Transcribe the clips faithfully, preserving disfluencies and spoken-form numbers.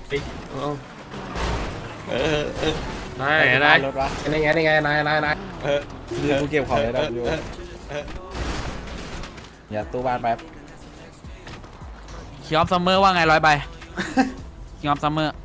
เออเออได้ได้รถวะนี่ไงนี่ไงนายนายนายเออคือกูเก็บของเลยนะอยู่อย่าตู้บ้านแป๊บคิงออฟซัมเมอร์ว่าไงร้อยใบ คิงออฟซัมเมอร์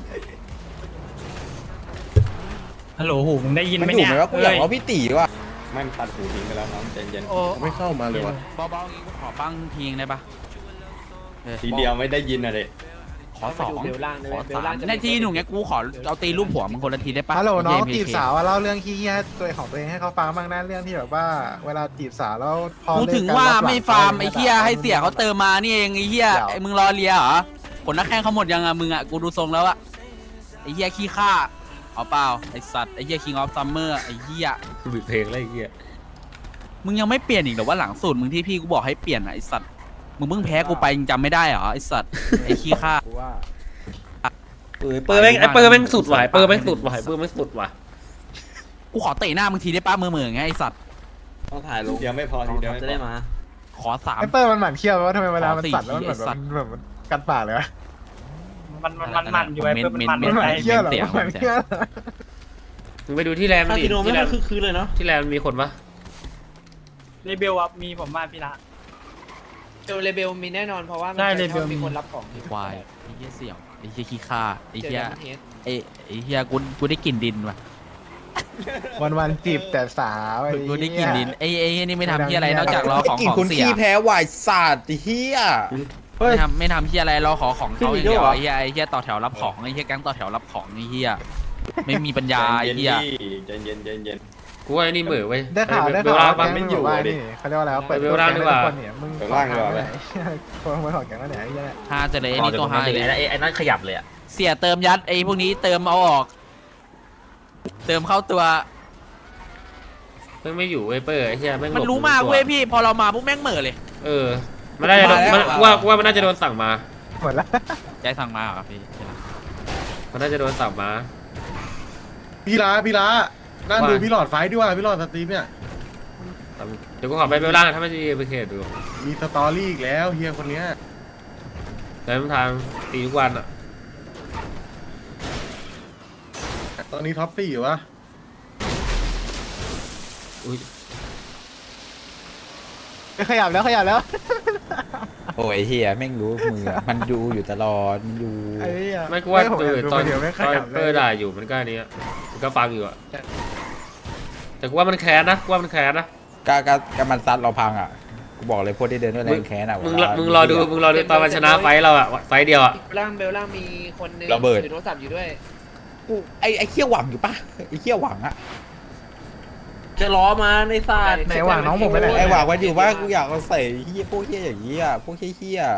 ฮัลโหลหูมึงได้ยินมันไหมถูกเนี่ยไหมว่ากูอยากเอาพี่ตีว่ะไม่ตัดหูทิ้งไปแล้วน้องใจเย็นโอ้ไม่เข้ามาเลยวะเบาๆงี้กูขอปั้งทีงได้ปะเออทีเดียวไม่ได้ยินอะเด็ขอสองขอสามในทีหนุ่มเงี้ยกูขอเอาตีรูปหัวมึงคนละทีได้ปะฮัลโหลน้องเจีบสาวอะเล่าเรื่องขี้เหี้ยตัวของตัวเองให้เขาฟังบ้างนะเรื่องที่แบบว่าเวลาจีบสาวแล้วพอกูเลิกถึงกันว่ารับหลัไม่ฟาร์มไอ้เหี้ยให้เสียเขาเติมมานี่เองไอ้เหี้ยไอ้มึงรอเลียเหรอผลนักแข่งเขาหมดยังอะมึงอะกูดูทรงแล้วอะไอ้เหี้ยขี้ข้าเอาเปล่าไอ้สัตว์ไอ้เหี้ยคิงออฟซัมเมอร์ไอ้เหี้ยบิดเพลงอะไรเงี้ยมึงยังไม่เปลี่ยนอีกเหรอว่าหลังสูตรมึงที่พี่กูบอกให้เปลี่ยนอะไอ้สัตว์มึงเพิ่งแพ้กูไปยังจำไม่ได้เหรอไอ้สัตว์ไอ้ขี้ข้ากูว่าเออเปอร์แม่งไอเปอร์แม่งสุดว่ะเปอร์แม่งสุดว่ะเปอร์แม่งสุดว่ะกูขอเตะหน้ามึงทีได้ป้ามือมือไงไอ้สัตว์ต้องถ่ายลทีงเดียวไม่พอทีเดียวไม่จะพได้อมาขอสามไอ้เปิ้ลมันหมั่นเขี้ยวว่าทำไมเวลามันขอสี่สั่นแล้วมันเหมือนไอ้สัตว์แบบแบบกัดปากเลยวะมันมันมันมันอยู่ไอ้เพื่อนมันมันมันหมั่นไอ้เขี้ยวเหรอเสียงมันหมั่นเขี้ยวเหรอมึงไปดูที่แลนด์คาดิสิโนไม่ที่แลได้นด์คือคืนเลยเนาะที่แลนด์มีคนปะเรเบลอะมีผมมาพี่ละเจอเลเบลมีแน่นอนเพราะว่ามันใช่จะชอบเลเบลมีมีคนรับของไอ้ควายไอ้เหี้ยเสี่ยวไอ้เหี้ยขี้ข้าไอ้เจอเหี้ยดัมเทสไอ้ไอ้เหี้ยกูกูได้กลิ่นดินว่ะวันวันๆจีบแต่สาวไอ้กูได้กเหี้ลิ่นยดินไอ้ไอ้เหี้ยนี่ไม่ทำเหี้ยอะไรนอกจากรอของกินของคนเสียขี้แพ้วายศาสตร์เฮียไม่ทำไม่ทำเหี้ยอะไรรอขอของเขาอย่างเดียวขึ้นอีกแล้วเหรอไอ้เหี้ยไอ้เหี้ยต่อแถวรับของไอ้เหี้ยแก๊งต่อแถวรับของไอ้เหี้ยไม่มีปัญญาใจไอ้เย็นเหี้ยใจเย็นใจเย็นกูว่าไอ้นี่เหม่อเว้ยได้ข่าวได้เบลข่าวล่าว่าปะแก๊งมึงบอกว่านี่เขาเรียกว่าอะไรวะเปิดเบลล่าดีกว่าแก๊งให้ทุคนเนี่ยมึงขอทางไหนคนขโมยของแก๊งแล้วเนี่ยไอ้เหี้ยฮาจะเลยไอ้นี่ตัวฮาเลยไอ้นั่นขยับเลยอ่ะเสียเติมยัดไอ้พวกนี้เติมเอาออก เติมเข้าตัวแม่งไม่อยู่เว้ยเปอร์ไอ้เหี้ยแม่งหลบมันรู้มากเว้ยพี่พอเรามาปุ๊บแม่งเหม่อเลยเออมันน่าจะโดนมันว่าว่ามันน่าจะโดนสั่งมาหมดละใจสั่งมาเหรอพี่มันน่าจะโดนสั่งมาพี่ละพี่ละนั่งว่าดูพี่หลอดไฟท์ดีกว่าพี่หลอดสตรีมเนี่ยเดี๋ยวกูขอไปเบลล่าถ้าไม่ดีไปเขตดูมีสตอรี่อีกแล้วเฮียคนเนี้ยแต่ทางตีทุกวันอ่ะตอนนี้ท็อปสี่อยู่วะอุ้ยขยับแล้วขยับแล้วโอ้ยเฮียแม่งรู้มือมันดูอยู่ตลอดมันอยู่ไอ้เหี้ยไม่กูว่าผมเออยอกดูตอนเดี๋ยวไม่ขตอนยับเปเลอย ร์ด่าอยู่มันก็อันนี้อะมันก็ฟังอยู่อะแต่กูว่ามันแค้นนะกูว่ามันแค้นนะกากากามันซัดเราพังอ่ะกูบอกเลยพวกที่เดินด้วยแรงแค้นอ่ะมึงรอมึงรอดูมึงรอดูตอนมันชนะไฟท์เราอะไฟท์เดียวอะเบลล่างเบลล่างมีคนนึงระเบิดถือโทรศัพท์อยู่ด้วยกูไอไอเขี้ยวหวังอยู่ปะไอเขี้ยวหวังอ่ะจะล้อมาในศาสตร์ไหนหว่างน้องผมไปไหนไอหวังมันอยู่ว่ากูอยากเอาใส่เฮียพวกเฮียอย่างนี้อ่ะพวกเฮียเฮีย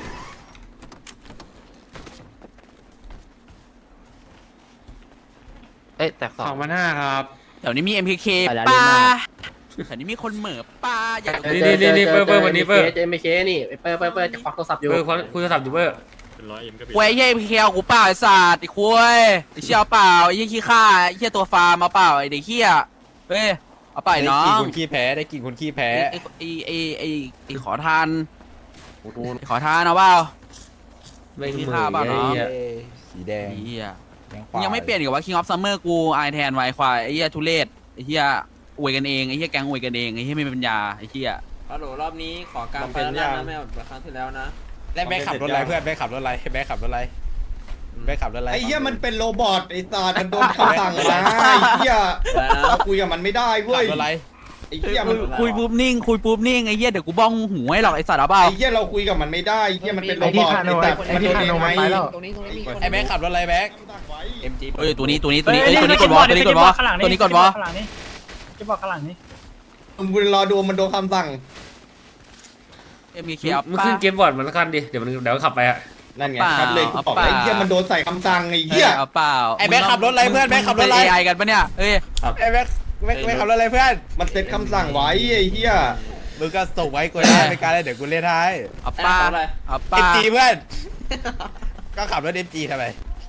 เอ้ยแตกสองสองพันห้าครับเดี๋ยวนี้มี เอ็ม พี เค ป้าแถวนี้มีคนเหม่อป้าอยากนี่นี่นี่นี่เปอร์เปอร์วันนี้เปอร์เจมเคนี่เปิดเปิดเปิดจะควักโทรศัพท์อยู่เปอร์คุยโทรศัพท์อยู่เปอร์ควยไอ้เหี้ย เอ็ม พี เค เอากูเปล่าไอ้สัตว์ไอ้ควยไอ้เชี่ยเอาเปล่าไอ้เหี้ยขี้ข้าไอ้เหี้ยตัวฟาร์มเอาเปล่าไอ้เด็กเหี้ยเฮ้ยเอาเปล่าไอ้น้อได้กินงคนขี้แพ้ได้กินคนขี้แพ้ไอ้ไอ้ไอ้ไอ้ไอ้ขอทานไอ้ขอทานเอาเปล่าไม่เหที่มือฆ่าบ้านไอ้เนาะเหี้ยเอ้ยสีแดงไอ้เหี้ยแดงขมึวางยังไม่เปลี่ยนอีกว่า King of Summer กูไอแทนไวควายไอ้เหี้ยทุเรศไอ้เหี้ยอวยกันเองไอ้เหี้ยแก๊งอวยกันเองไอ้เหี้ยไม่มีปัญญาไอ้เหี้ยฮัลโหลรอบนี้ขอการมันเป็นยังไม่เอาแบบครั้งที่แล้วนะแล้วแม่ขับรถอะไรเพื่อนแม่ขับรถอะไรแม่ขับรถอะไรแม่ขับรถอะไรไอ้เหี้ยมันเป็นโรบอทไอ้ตามันโดนคำสั่งมาไอ้เหี้ยเราคุยกับมันไม่ได้เว้ขัยบรถอะไรไอ้เหี้ยมันคุยปุ๊บนิ่งคุยปุ๊บนิ่งไอ้เหี้ยเดี๋ยวกูบ้องหูให้หรอกไอ้สัตว์เอาเปล่าไอ้เหี้ยเราคุยกับมันไม่ได้ไอ้เหี้ยมันเป็นโรไอ้บที่อทคาโนไอ้ไอ้แต่มันที่โดนคาโนยังมันไงไปแล้วตรงนี้ตรงนี้มีคนไอ้แม่ขับรถอะไรแม่เอ็มจีเอ้ยตัวนี้ตัวนี้ตัวนี้เอ้ยตัวนี้กดวอลตัวนี้กดวอลตัวนี้กดวอลข้างหลังนี่จะบอกข้างหลังนี่มึงรอดูมันโดนคำสั่งเอ็ม พี เคมึงเอามึงป้าขึ้นเกมบอร์ดมันสักคันดิเดี๋ยวมันเดี๋ยวขับไปอะนั่นไงเปล่าชัดเลยกูบอกเปล่าไอ้เหี้ยมันโดนใส่คำสั่งไอ้เหี้ยเอาเปล่าไอ้แม่ขับรถอะไรเพื่อนแม่ขับรถอะไรเอไอกันปะเนี่ยเอ้ยไอ้แม่แม่แม่ขับรถอะไรเพื่อนมันเซ็ตคำสั่งไว้ไอ้เหี้ยมึงก็ส่งไว้กูได้ในการเดี๋ยวกูเล่นให้เอาป้าเอาเอ็ป้ามจีเพื่อนก็ขับรถเอ็มจีทำไม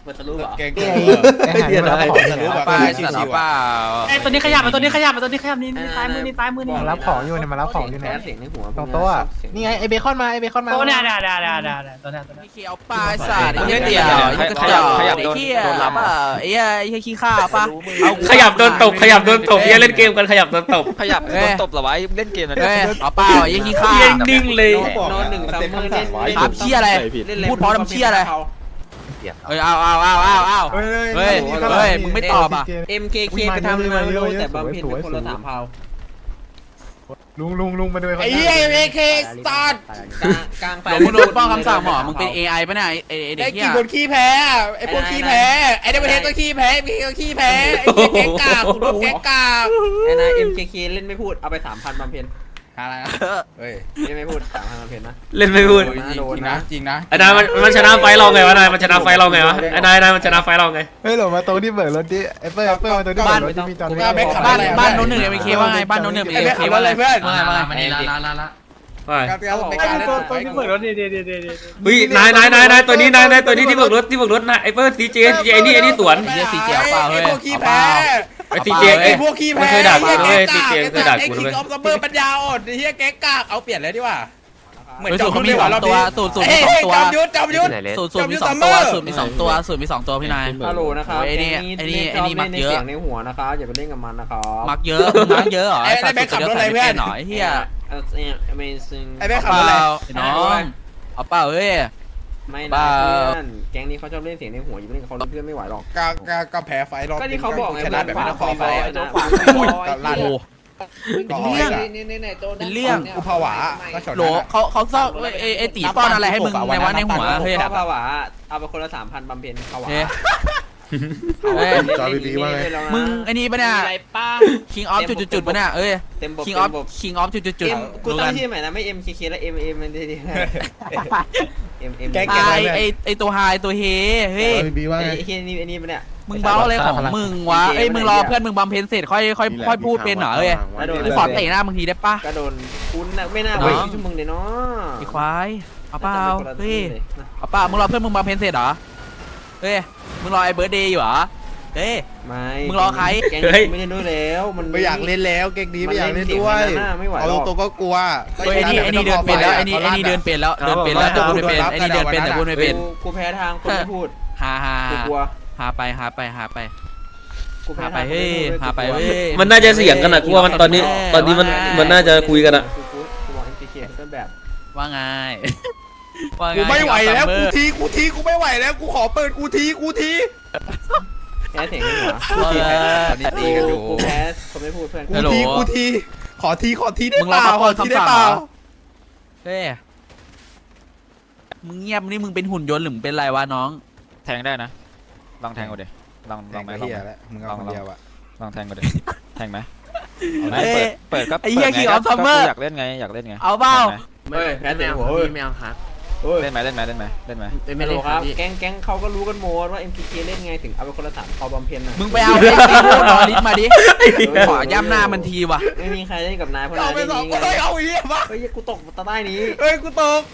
เปิดสรุปเหรอแกงไอ้ไอ้ไอ้หาที่มันรับของอยู่รู้เนี่ยป่ะไปสัตว์เอาเปล่าไอ้ตัวนี้ขยับไอ้ตัวนี้ขยับไอ้ตัวนี้ขยับนี่นี่ซ้ายมือนี่ซ้ายมือนี่มันรับของอยู่เนี่ยมันรับของอยู่แพ้เนี่ยเสียงในหัวตรงโต๊ะอะนี่ไงไอ้เบคอนมาไอ้เบคอนมาโอ้เนี่ยเนี่ยเนี่ยเนี่ยเนี่ยตัวเนี้ยตัวเนี้ยไอ้เขียวปลาไอ้สัตว์ไอ้เหี้ยเดี่ยวไอ้เหี้ยขยับขยับไอ้เหี้ยเปล่าไอ้เหี้ยไอ้เหี้ยขี้ข้าป่ะเอาขยับโดนตบขยับโดนตบเฮียเล่นเกมกันขยับโดนตบขยับโดนตบเหรอวะเล่นเกมนะเว้ยเอาเปล่าไอ้เหี้ยขี้ข้าเฮียนิ่งเลยนอนหนึ่งซัมเมอร์เล่นครับเชี่ยอะไรพูดเพราะน้ำเชี่ยอะไรเอ้ยเอาเอาเอาเอาเอาเฮ้ยเฮ้ยเฮ้ยมึงไม่ตอบอ่ะเอ็มเคเคไปทำอะไรมาไม่รู้แต่บำเพ็ญเป็นคนละสามเผาลุงลุงลุงมาดูไอ้เหี้ยเอเคสตาร์ทกลางกลางไฟหลงมึงโดนป้องคำสั่งหมอมึงเป็น เอ ไอ ป่ะเนี่ยไอ้ไอ้เด็ไอ้กเหี้กี่ยคนขี้แพ้ไอ้พวกขี้แพ้ไอ้เดวิดเฮดก็ขี้แพ้ไอ้พี่ก็ขี้แพ้ไอ้เหี้ยแก๊งกากกูโดนแก๊งกากไอ้นายเอ็มเคเคเล่นไม่พูดเอาไปสามพันบำเพ็ญอะไรนะเฮ้ยเล่นไม่พูดสามพันบำเพ็ญนะเล่นไม่พูดจริงนะจริงนะไอ้นายมันมันชนะไฟเราไงวะนายมันชนะไฟเราไงวะไอ้นายนายมันชนะไฟเราไงเฮ้ยหลงมาตรงที่เบิกรถดิไอ้เปิ้ลเปิ้ลมาตรงที่เบิกรถที่มีจอดบ้านแบ็คขับบ้านอะไรบ้านโน้นหนึ่งเอ็มเคว่าไงบ้านโน้นหนึ่งเอ็มเคว่าอะไรว่าไงว่าไงไปครับครับไม่ไอ้กล้าเล่นตัวไฟตัวนี้เปิดรถดีดีดีดีดีเฮ้ยนายนายนายนายตัวนี้นายนายตัวนี้ที่เบิกรถที่เบิกรถนะไอ้เฟิร์สซีเจซีเจไอ้นี่ไอ้นี่สวนไอ้เหี้ยสีเจียวเปล่าเฮ้ยไอ้พวกขี้แพ้ไอ้ซีเจไอ้พวกขี้มันแพ้เคยด่ากูนะเว้ยซีเจเคยด่าไอ้กูคินะงเว้ยออฟซัมเมอร์ปัญญาอ่อนไอ้เหี้ยแก๊งกากเอาเปลี่ยนเลยดีกว่าเฮ้ยสูตรเขามีสองตัวสูตรสูตรมีสองตัวจอมยุทธจอมยุทธสูตรสูตรมีสองตัวสูตรมีสองตัวสูตรมีสองตัวพี่นายฮัลโหลนะครับไอ้นี่ไอ้นี่ไอ้นี่มักเยอะเสียงในหัวนะครับอย่าไปเล่นกับมันนะครับมักเยอะมึงมักเยอะเหรอไอ้ไอ้แบ็คขับรถอะไรเพื่อนหน่อยเฮียเออ Amazing ไอ้แบ็คเอาขับเปรถอะไรล่าไอ้น้องเอาเปล่าเฮ้ยไม่บ้านะเพื่อนแก๊งนี้เขาชอบเล่นเสียงในหัวอย่าไปเล่นกับเขาเพื่อนไม่ไหวหรอกกากากาแพ้ไฟรอบก็ที่เขาบอกไงชนะแบบไม่ต้องขอไฟตัวขวาลั่นโอ้ เป็นเรื่อง เป็นเรื่องกูผวาก็ชนโหลเขาเขาซ่อนไอ้ไอ้ตีป้อนอะไรให้มึงในวันในหัวเฮ้ยถ้าภาวะเอาไปคนละสามพันบำเพ็ญภาวะเฮ้ย เฮ้ยจอบีบีว่าไงมึงไอ้นี่ปะเนี่ยอะไรป้า King of จุดจุดๆๆปะเนี่ยเอ้ยเต็มบท King เต็ of มบท King of จุดจุดจุดเอ็มกูตั้งชื่อใหม่นะไม่ เอ็ม เค เค แล้ว M M มันดีดีเอ็ม M แก๊งไอไอไอตัวไฮตัวเฮเฮ้ยจอบีบีว่าไอ้ไงไอ้นี่ไอ้นี่มันเนี่ยมึงเบ้าอะไรของมึงวะเอ้ยมึงรอเพื่อนมึงบำเพ็ญเสร็จค่อยค่อยค่อยพูดเป็นเหรอเอ้ยกูขอเตะหน้ามึงทีได้ปะก็โดนคุณน่ะไม่น่าไว้ที่มึงเลยเนาะไอ้ควายเอาเปล่าเฮ้ยเอาเปล่ามึงรอเพื่อนมึงบำเพ็ญเสร็จเหรอเฮ้ยมึงรอไอ้เบิร์ดเดย์อยู่เหรอเฮ้ยไม่มึงรอใครแก๊งไม่เล่นด้วยแล้วมันไม่อยากเล่นแล้วเก๊กนี้ไม่อยากเล่นด้วยเอาตรงๆก็กลัวเฮ้ยไอ้นี่ไอ้นี่เดินเป็นแล้วไอ้นี่ไอ้นี่เดินเป็นแล้วเดินเป็นแล้วแต่พูดไม่เป็นไอ้นี่เดินเป็นแต่พูดไม่เป็นกูแพ้ทางคนไม่พูดหาหากูกลัวหาไปหาไปหาไปกูแพ้หาไปทางเฮ้ยหาไปเฮ้ยมันน่าจะเสียงกันอะกูว่ามันตอนนี้ตอนนี้มันมันน่าจะคุยกันอะกูกูกูบอก เอ็ม เค เคต้นแบบว่าไงว่าไงกูไม่ไหวแล้วกูทีกูทีกูไม่ไหวแล้วกูขอเปิดกูทีกูทีแพ้เสียงในหัวว่าไงตอนนี้ตีกันอยู่กูแพ้คนไม่พูดเพื่อนกูทีกูทีขอทีขอทีได้มึงเปรอล่าเขาขเปิอดทีได้คำสั่งเปเหรล่าอเฮ้ยมึงเงียบนี่มึงเป็นหุ่นยนต์หรือมึงเป็นอะไรวะน้องแทงได้นะ ลองแทงกูดิลองลองไหมลองเฮียไหมแล้วมึงเอาคนเดียวอะลองแทงกูดิ แทงไหมเอ้ยเปิดเปิดก็ไอ้เหี้ยปิดไง King of ก็ Summer กูอยากเล่นไงอยากเล่นไงเอาเปล่าแทงไหมเฮ้ยแพ้เสียงหัวเฮ้ยไม่เอาครับเฮ้ยเล่นไหมเล่นไหมเล่นไหมเล่นไหมไม่รู้ครับแก๊งแก๊งเขาก็รู้กันหมดว่า เอ็ม เค เค เล่นไงถึงเอาไปคนละสามพอบำเพ็ญน่ะมึงไปเอาไอ้ตีโนอริสมาดิขอย่ำหน้ามันทีว่ะไม่มีใครเล่นกับนายเพราะเอานายไปเล่นสองนี้ไงเฮ้ยเอาไอ้เหี้ยมาเฮ้ยกูตกตะใต้นี้เฮ้ยกูตก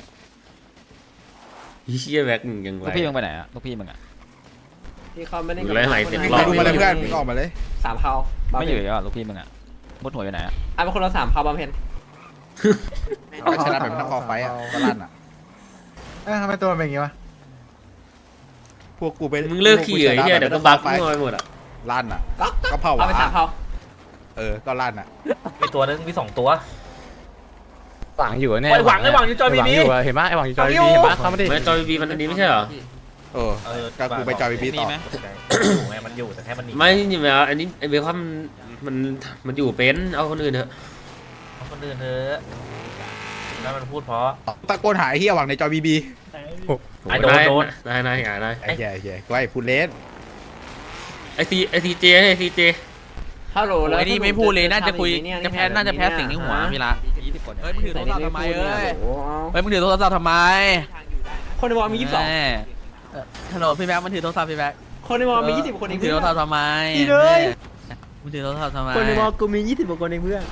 เฮียแบ็คมึงยังไงลูกพี่มึงไปไหนอะลูกพี่มึงอะที่เขาไม่เล่นอยู่ไรไหนเต็มมึงรอบดูมาเลยเพื่อนมึงออกมาเลยสามเผาไม่อยู่แล้วลูกพี่มึงอะบดหัวอยู่ไหนอะเอาไปคนละสามเผาบำเพ็ญก็ชนะแบบไม่ต้องขอไฟอ่ะก็ลั่นอ่ะเอ้ยทำไมตัวมันเป็นอย่างงี้วะพวกกูไปมึงเลิกขี่เหรอไอ้เฮียเดี๋ยวก็บักมั่วไปหมดอะลั่นอ่ะก็ก็เผาเอาไปสามเผาเออก็ลั่นอ่ะมีตัวนึงมีสองตัวหวังอยู่เนี่ยไอ้หวังไอ้หวังอยู่จอยบีบีเห็นปะไอ้หวังอยู่จอยบีเห็นปะเขาไม่ได้ไม่จอยบีมันอันนี้ไม่ใช่เหรอเออก็กูไปจอยบีบีต่ออยู่ไงมันอยู่แต่แค่มันหนีไม่นี่แบบอันนี้ไอเบคอนมันมันอยู่เป็นเอาคนอื่นเถอะเอาคนอื่นเถอะแล้วมันพูดเพราะตะโกนหาไอ้เหี้ยหวังในจอยบีบีไอ้โดนโดนนายนายนายนายไอ้เหี้ยไอ้เหี้ยกูไอ้พูดเลสไอซีไอซีเจไอซีเจฮัลโหลแล้วไอ้นี่ไม่พูดเลยน่าจะคุยจะแพ้น่าจะแพ้เสียงในหัวพี่ละยี่สิบคนเฮ้ยมึงถือโทรศัพท์ทำไมเอ้ยโอ้เฮ้ยมึงถือโทรศัพท์ทำไมคนในวอลมียี่สิบสองแม่เอ่อฮัลโหลพี่แบ๊กมันถือโทรศัพท์พี่แบ๊กคนในวอลมียี่สิบคนเองมึงถือเพื่โทอรศัพท์ทำไมดีเลยมึงถือโทรศัพท์ทำไมคนในวอลกูมียี่สิบกว่าคนเองเพื่อน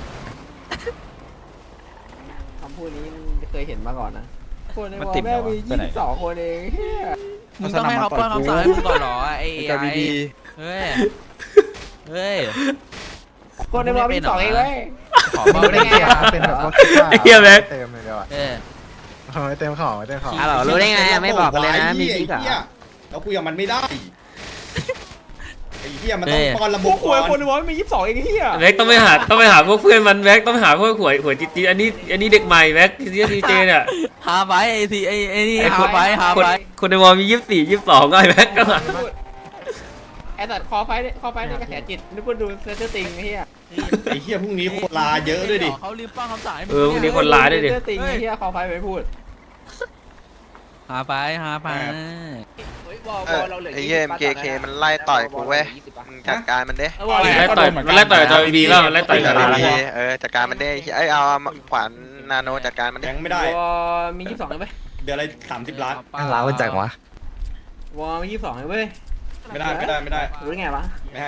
คำพูดนี้มันเคยเห็นมาก่อนนะคนในวอลแม่มียี่สิบสองคนเองเฮียมึงต้องให้เขาป้อนคำสั่งให้มึงก่อนเหรอไอ้ไอ้เฮ้ยเฮ้ยคนในบอลมีสองเองเลยขอมัเบาน ได้เป็นไงเกียอะร์เป็นแบบว่าคิดว่าไอ้เหี้ยแม็กเต็มเลยเดี๋ยวอะเออเอาไว้เต็มของไว้เต็มของอ่ะเหรอรู้ได้ไงอ่ะไม่บอกกันเลยนะมีไอ้พิกเหี้ยอ่ะเราคุยกับมันไม่ได้ไอ้เหี้ยมันต้องเอ้ยป้อนระบพวบกคุยคนในบอลมียี่สิบสองเองเฮียแม็กต้องไปหาต้องไปหาพวกเพื่อนมันแม็กต้องไปหาพวกหัวหัวจีจีอันนี้อันนี้เด็กใหม่แม็กที่ดีเจเนี่ยหาไปไอ้ทีไอ้ไอ้นี่ไอ้หาคนไปหาคนไปคนในวอลมียี่สิบสี่ยี่สิบสองก็ไอ้แม็กก็มาไอ้สัตว์คอไฟคอไฟในกระแสจิตนึกว่าดูเซอร์ติงไอ้เฮียไอ้เหี้ยพรุ่งนี้โคตรลาเยอะด้วยดิเขาลืมป้อนคำสั่งให้มึงเออวันนี้คนร้ายด้วยดิเซอร์ติงไอ้เฮียคอไฟไม่พูดหาไปหาไปไอ้เหี้ย เอ็ม เค เค มันไล่ต่อยกูเว้ย มึงจัดการมันเด้ไล่ต่อยมันไล่ต่อยจอยบีแล้วมันไล่ต่อยกันเออจัดการมันเด้ไอ้ยเอาขวานนาโนจัดการมันแบเด้งค์ไม่ได้วอมียี่สิบสองเลยไหมเดือนละสามสิบล้านล้าวจังวะวอมียี่สิบสองเลยเว้ยไม่ได้ไม่ได้ไม่ได้รู้ได้ไงวะไม่ให้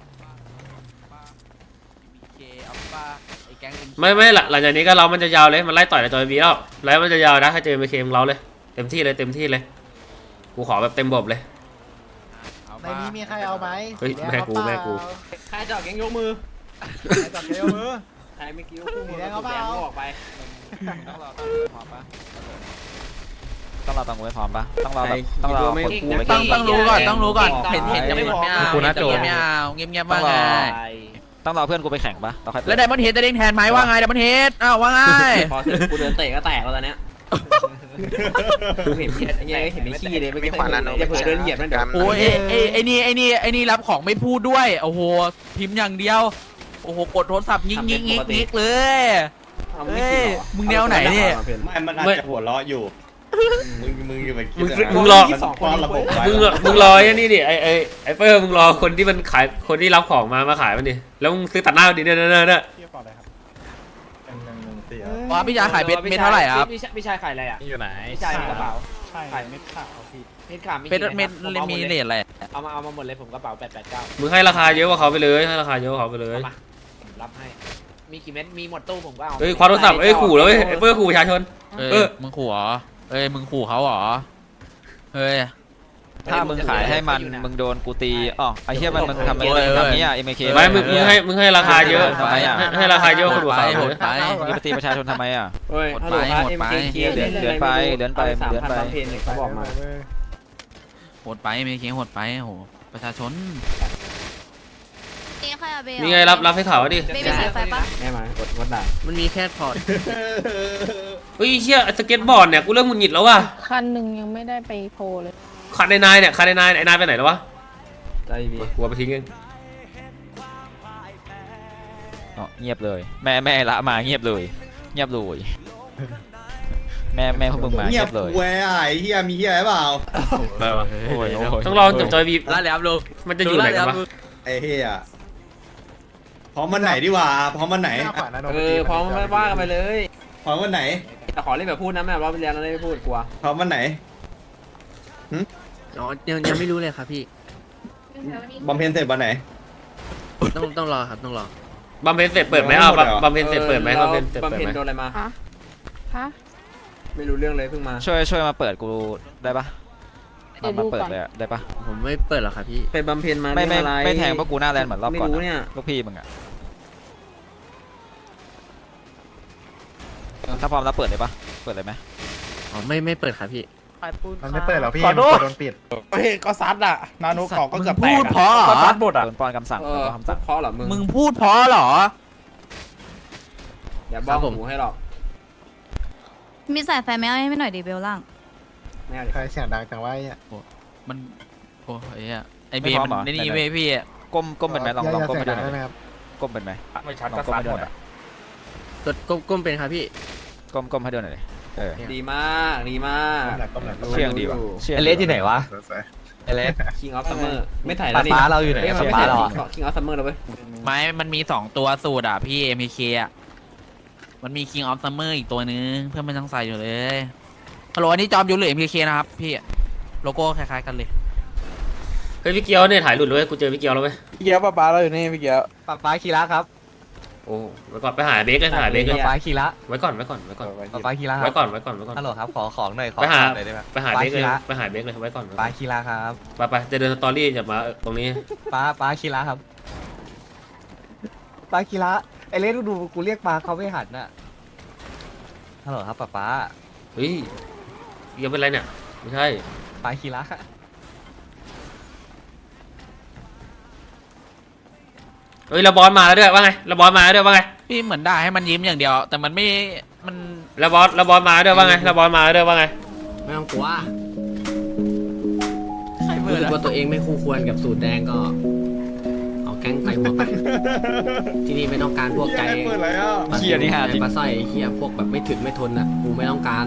เคเอาป้าไอ้แก๊งไม่ไม่หลังหลังจากนี้ก็เรามันจะยาวเลยมันไล่ต่อยจอยบีแล้วแล้วมันจะยาวนะถ้าเจอไปเคมเราเลยเต็มที่เลยเต็มที่เลยกูขอแบบเต็มบบเลยในนี้มีใครเอาไหมเฮ้ยแม่กูแม่กูใครจะออกแกงยกมือใครจับเกลียวมือใครไม่คิดว่าคู่มือสีแดงเอาเปล่าแดงก็ออกไปต้องรอตั้งพร้อมปะต้องรอตั้งกูให้พร้อมปะต้องรอแบบต้องรอคนกูไม่ต้องต้องรู้ก่อนต้องรู้ก่อนต้องเห็นเห็นจะไม่ไม่เอากูน่าโจไม่เอาเงียบเงียบๆว่าไงต้องรอเพื่อนกูไปแข่งปะเราค่อยแล้วไดมอนเฮดจะเด้งแทนไหมว่าไงไดมอนเฮดอ้าวว่าไงพอถึงกูเดินเตะก็แตกแล้วตอนเนี้ยกูเห็นเหี้ยไอ้เหี้ยเห็นไม่ขี้เลยไม่มีขวานนาโนอย่าเผื่อเดินเหยียบนั่นเดี๋ยวโอ้ยไอ้ไอ้ไอ้นี่ไอ้นี่ไอ้นี่รับของไม่พูดด้วยโอ้โหพิมพ์อย่างเดียวโอ้โหกดโทรศัพท์ยิงยิงยิงยิงเลยเอาไม่กินหรอมึงแนวไหนเนี่ยไม่มันอาจจะหัวเราะอยู่มึงมึงอยู่าไปคิดมึงนะมึงรอป้อนระบบไว้มึงมึงรอไอ้นี่ดิไอไอไอเปอร์มึงรอคนที่มันขายคนที่รับของมามาขายมันดิแล้วมึงซื้อตัดหน้าดิเนี่ยเนี่ยเนี่ยเนี่ยเทียบก่อนเลยครับเป็นหนึ่งหนึ่งสี่อ๋อพี่ยาขายเม็ดเม็ดเท่าไหร่ครับพี่ชายพี่ชายขายอะไรอ่ะอยู่ไหนพี่ชายมีกระเป๋าใช่เม็ดขาวพี่เม็ดขามเม็ดเม็ดมีเลทอะไรเอามาเอามาหมดเลยผมกระเป๋าแปดแปดเก้ามึงให้ราคาเยอะกว่าเขาไปเลยให้ราคาเยอะกว่าเขาไปเลยเอามาผมรับให้มีกี่เม็ดมีหมดตู้ผมก็เอาเฮ้ยคว้าโทรศัพท์เอ้ยขู่แล้วเว้ยไอเปอร์ขู่ประชาชนเอเอออมึงขู่เหรอเอ้ยมึงขู่เขาเหรอเฮ้ยถ้ามึงขายให้มันมึงโดนกูตีอ๋อไอ้เหี้ยมันมันทำอะไรทำนี้อ่ะ เอ็ม เคไม่มึงมึงให้มึงให้ราคาเยอะทำไมอ่ะให้ให้ราคาเยอะกว่าคนไปอื่นเขาโหเลดยไปมึงไปตีประชาชนทำไมอ่ะเฮ้ยหมดฮัลไปโหลครับหมดเอ็มไปเคเดือนเดือนไปเดือนไปสามเดือนพันไปบำเพ็ญเนี่ยเขาบอกมาโหดไปไม่เคโหดไปโหประชาชนนี่ค่ะเบลนี่ไงรับรับให้ข่าวว่าดิเบลมีสายไฟปะแม่มากดวัดด่ามันมีแค่พอร์ตเฮ้ยเชี่ยสเก็ตบอร์ดเนี่ยกูเริ่มหงุดหงิดแล้วว่ะคันหนึ่งยังไม่ได้ไปโพลเลยคันในนายเนี่ยคันในนายไอ้นายไปไหนแล้ววะใจดีกูเอาไปทิ้งเองอ๋อเงียบเลย แม่แม่ละมาเงียบเลยเงียบเลยแม่แม่พวกมึงมาเงีเงียยบบเลยแหวไอ้เฮียมีเฮียเปล่าโอ้ยโอ้ยต้องลองจับจอยบีแล้วแล้วลูกมันจะอยู่ไหนกันวะไอ้เฮียพร้อมวันไหนดีกว่าพร้อมวันไหนหน้าขวานาโนเออพร้อมไม่ว่ากันไปเลยพร้อมวันไหนแต่ขอเล่นแบบพูดนะแม่รอบที่แล้วเราได้ไม่พูดกลัวพร้อมวันไหนอ๋อยังยังไม่รู้เลยครับพี่บำเพ็ญเสร็จวันไหนต้องต้องรอครับต้องรอบำเพ็ญเสร็จเปิดไหมอ้าวบำบำเพ็ญเสร็จเปิดไหมบำเพ็ญเสร็จบำเปิดเพ็ญไหมโดนอะไรมาฮะไม่รู้เรื่องเลยเพิ่งมาช่วยช่วยมาเปิดกูได้ปะมามาเปิดเลยอะได้ปะผมไม่เปิดหรอกครับพี่ไปบำเพ็ญมาไม่ไม่เรื่องอะไรไม่แทงพวกกูหน้าแลนด์เหมือนรอบก่อนไม่รู้เนี่ยลูกพี่มึงอะถ้าพร้อมแล้วเปิดเลยปะเปิดเลยไหมอ๋อไม่ไม่เปิดครับพี่มันไม่เปิดหรอพี่มันโดนปิดเฮ้ยก็ซัดอ่ะนาโนของก็เกือบแตพูกดเพราะเหรก็อซัดหมดอ่ะโดนป้อนคำสั่งเอโดอนคำสั่งเพราะเหรอมึงมึงพูดเพราะเหรออย่าบ้าหมูให้หรอกมีสายไฟไหมเอาให้ไม่หน่อยดิเบลล่างไม่เอาดิใครเสียงดังจังวะไอ้เนี่ยมันโอ้ยอะไอเบย์มันนี่เว้ยพี่ก้มก้มเป็นไหมลองลองก้มไปดูหน่อยได้ไหมครับก้มเป็นไหมไม่ชัดลอก็งก้มซัดให้ดูหมดหน่ออ่ะยกดก้มก้มเป็นครับพี่ก้มก้มให้ดูหน่อยดิเออดีมากดีมากก้มหนักก้มหนักเชี่ยงดีว่ะเชี่ยงไอเลสที่ไหนวะสวยไอเลสคิงออฟซัมเมอร์ไม่ถ่ายแล้วนี่ป้าเราอยู่ไหนเอ้ยมันไม่ป้าถ่ายเราคิงออฟซัมเมอร์แล้วเว้ยไม้มันมีสองตัวสูตรอ่ะพี่ เอ็ม เค อ่ะมันมี King of Summer อีกตัวนึงเพื่อนมันยังใส่อยู่เลยฮัลโหลอันนี้จอมยุทธหรือ เอ็ม เค นะครับพี่โลโก้คล้ายๆกันเลยเฮ้ยพี่เกียวเนี่ยถ่ายหลุดเลยกูเจอพี่เกียวแล้วเว้ยพี่เกียวป้าป้าเราอยู่นี่พี่เกียวป้าป้าคีระครับโอ้ไว้ก่อนไปหาเบคเลยไปหาเบคเลยฟ้าคีระไว้ก่อนไว้ก่อนไว้ก่อนฟ้าคีระคไว้รับก่อนไว้ก่อนไว้ก่อนฮัลโหลครับขอของหน่อยขอไปหาหน่อยได้ไหมไปหาเบคเลยฟ้าคีระไปหาเบคเลยไว้ก่อนฟ้าคีระครับไปไปจะเดินสตอรี่อย่ามาตรงนี้ฟ้าฟ้าคีระครับฟ้าคีระไอเล่นดูกูเรียกมาเขาไม่หันน่ะฮัลโหลครับป้าป้าเฮ้ยยังเป็นไรเนี่ยไม่ใช่ฟ้าคีระเฮ้ยเราบอสมาแล้วด้วยว่าไงเราบอสมาแล้วด้วยว่าไงพี่เหมือนด่าให้มันยิ้มอย่างเดียว แต่มันไม่มันเราบอสเราบอสมาแล้วด้วยว่าไงเราบอสมาแล้วด้วยว่าไงไม่ต้องกลัวใครเบื่รู้อสึกว่าตัวเองไม่คู่ควรกับสูตรแดงก็เอาแก๊งไต่หัวไปที่นี่ไม่ต้องการพวกใจเปิดอะไรอ่ะเหี้ยนี่หาจริงปลาสร้อยเฮียพวกแบบไม่ถึงไม่ทนอ่ะกูไม่ต้องการ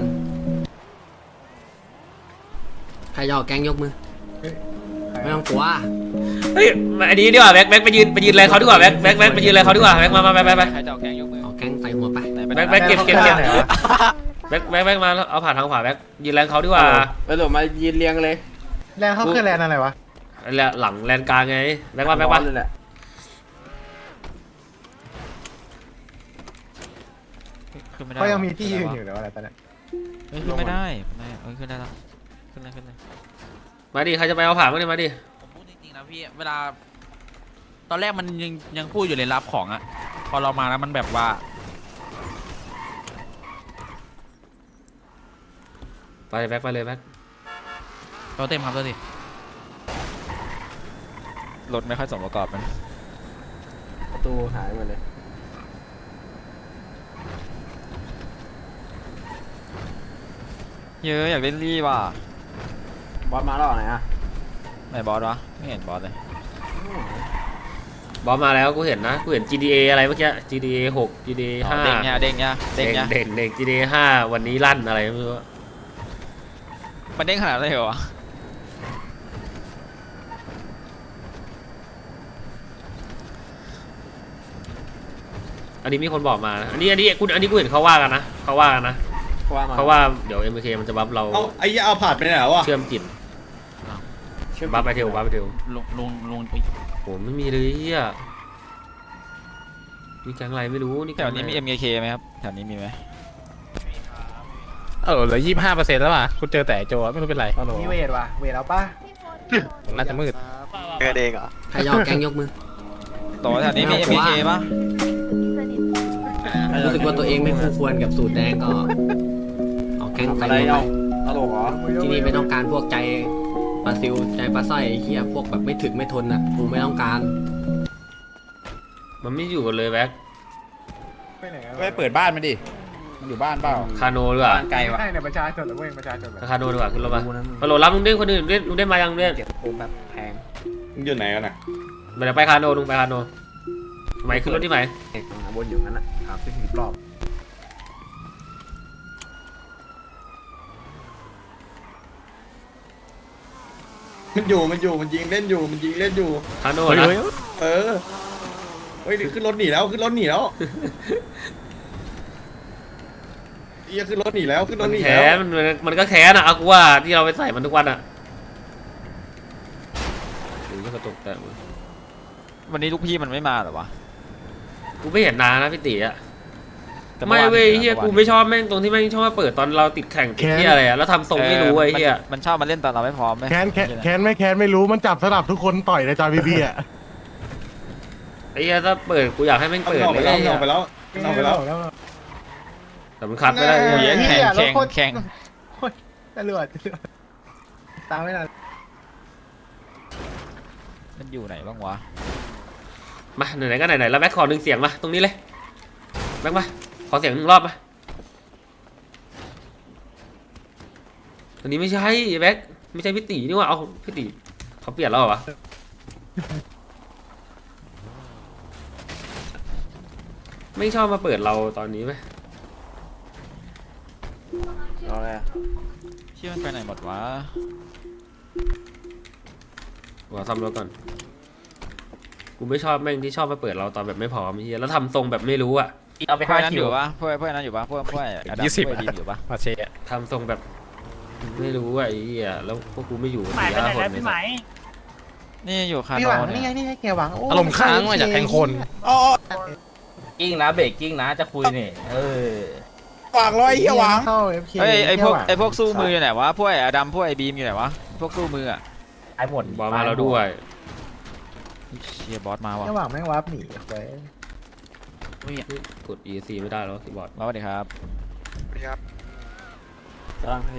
ใครจะเอาแก๊งยกมือไม่ต้องกลัวเฮ้ยมาอันนี้ดีกว่าแบ็คแบ็คไปยืนไปยืนอะไรเขาดีกว่าแบ็คแบ็คแบ็คไปยืนอะไรเขาดีกว่าแบ็คมามาไปไปไปใครจะเอาแกงยกมือเอาแก๊งไต่หัวไปไหนไปแบ็คแบ็คเก็บเก็บเก็บแบ็คแบ็คแบ็คมาแล้วเอาผ่านทางขวาแบ็คยืนแรงเขาดีกว่าไปหลบมายืนเรียงเลยแลนเขาคือแลนอะไรวะแล้วหลังแลนกลางไงแบ็คมาแบ็คมาขึ้นไม่ได้เขายังมีที่ยืนอยู่เดี๋ยวอะไรตอนนี้เฮ้ยขึ้นไม่ได้ไม่เอ้ยขึ้นได้แล้วขึ้นเลยขึ้นเลยมาดิใครจะไปเอาผ่านมาดิมาดิผมพูดจริงๆนะพี่เวลา ตอนแรกมันยังยังพูดอยู่เลยรับของอะพอเรามาแล้วมันแบบว่าไปแบ็คไปเลยแบ็คเราเต็มครับตัวสิรถไม่ค่อยสมประกอบมันประตูหายหมดเลยเยอะอยากเล่นรีว่ะบอสมาแล้วไหนอ่ะไหนบอสวะไม่เห็นบอสเลยบอสมาแล้วกูเห็นนะกูเห็น จี ดี เอ อะไรเมื่อกี้ จี ดี เอ หก จี ดี เออ๋อห้าเด้งเนี่ยเด้งเนี่ยเด้เด็งกเนี่ยเด็กเด็ก จี ดี เอ ห้าวันนี้ลั่นอะไรไม่รู้มันเด้งขนาดนั้นเลยเหรอวะอันนี้มีคนบอกมานะอันนี้อันนี้กูอันนี้กูเห็นเขาว่ากันนะเขาว่ากันนะว่ามาเพราะว่าเดี๋ยว เอ็ม เค มันจะบัฟเราเอาไอ้ยาเอาผ่านไปไหนวะเชื่อมจิตบัฟไปเทลบัฟไปเทลลงลงลงไปโหไม่มีเลยอ่ะนี่แก๊งอะไรไม่รู้นี่แถวนี้มี เอ็ม เค ไหมครับแถวนี้มีไหมเออเหลือยี่สิบห้าเปอร์เซ็นต์แล้วว่ะกูเจอแต่โจไม่รู้เป็นไรมีเวทว่ะเวทเอาป่ะน่าจะมืดเกิดเองเหรอใครจะเอาแก๊งยกมือต่อแถวนี้มี เอ็ม เค ปะรู้สึกว่าตัวเองไม่คู่ควรกับสูตรแดงก็เอาแก๊งไต่หัวไปฮัลโหลเหรอที่นี่ไม่ต้องการพวกใจปลาซิวใจปลาสร้อยเฮียพวกแบบไม่ถึงไม่ทนอ่ะกูไม่ต้องการมันไม่อยู่กันเลยแบ็คไปไหนไปเปิดบ้านมาดิมันอยู่บ้านเปล่าคาโนดีกว่าไกลว่ะใช่เนี่ยประชาชนหรือเว้ยประชาชนเหรอคาโนดีกว่าขึ้นรถมาฮัลโหลรับลุงเด้งคนอื่นเด้งลุงเด้งมายังลุงเด้งเก็บโคมแบบแพงมึงอยู่ไหนกันน่ะมาเดี๋ยวไปคาโนลุงไปคาโนไหมขึ้นรถที่ไหมเอกบนอยู่นั้นอ่ะครับสิบสิบรอบมันอยู่มันอยู่มันยิงเล่นอยู่มันยิงเล่นอยู่คาโนนะเออเฮ้ยขึ้นรถหนีแล้วขึ้นรถหนีแล้วเอียขึ้นรถหนีแล้วขึ้นรมัถนหนีแค้แล้วนมันมันก็แค้นอะเอากูว่าที่เราไปใส่มันทุกวันอะหรือก็กระตุกแต่วันนี้ลูกพี่มันไม่มาเหรอวะกูไม่เห็นนานนะพี่ตีอะแต่ไม่อานเว้ยห็นนะเฮียมื่อวานกูไม่ชอบแม่งตรงที่แม่งชอบมาเปิดตอนเราติดแข่งติดที่อะไรอะแล้วทำทรงไม่รู้ไอ้เฮียมันมันชอบมาเล่นตอนเราไม่พร้อมไหมแค้นแค้นแค้นไม่แค้นไม่รู้มันจับสลับทุกคนต่อยในจอยบีบีอ่ะไอ้เฮียถ้าเปิดกูอยากให้แม่งเอาเปิดออกเลไปยแล้วเอาไปแล้วเอาไปแล้วแล้วแต่มันคัดไม่ได้เหี้แข่งยแข่งรถโคตรแข่งโอ้ยตำรวจตามไม่ทันมันอยู่ไหนบ้างวะมาไหนๆก็ไหนๆแล้วแบ็คขอหนึ่งเสียงมาตรงนี้เลยแบ็คมาขอเสียงหนึ่งรอบมาอันนี้ไม่ใช่แบ็คไม่ใช่พี่ตีนี่ว่าเอาพี่ตีเขาเปลี่ยนแล้วเหรอวะไม่ชอบมาเปิดเราตอนนี้ไหมเอาเลยเชื่อมันไปไหนหมดวะว่าซ่อมรถก่อนกูไม่ชอบแม่งที่ชอบมาเปิดเราตอนแบบไม่พร้อมไอ้เฮียแล้วทำทรงแบบไม่รู้อะเอาไปพวกห้านั้นคิอวยู่ปะพวกพวกนั้นอยู่ปะพวกพวกอดัมยี่สิบพวกอะดีมอยู่ปะมาเชะทำทรงแบบไม่รู้อะไอ้เหี้ยแล้วพวกกูไม่อยู่หมายไปไหนสี่แล้วห้าพี่คไหมนี่อยู่คาพี่โนหวังเนี่นี่ไงยนี่ไงแกหวังโอารมณ์ค้างมาจากแทงคนอ๋อกิ้งนะเบรกกิ้งนะจะคุยนี่เออหวังร้อยเฮียหวังเข้า เอฟ เคเอ้ยไอพวกเหี้ยหวังไอพวกสู้มืออยู่ไหนวะพวกไออดัมพวกไอบีมอยู่ไหนวะพวกสู้มืออะไอ้หมดบอลมาเราด้วยเชียบอสมาว่ะเหี้ยหวังแม่งวับหนีไปกด อี ซี ไม่ได้แล้วคีย์บอร์ดมาสวัสดีครับครับกำลัง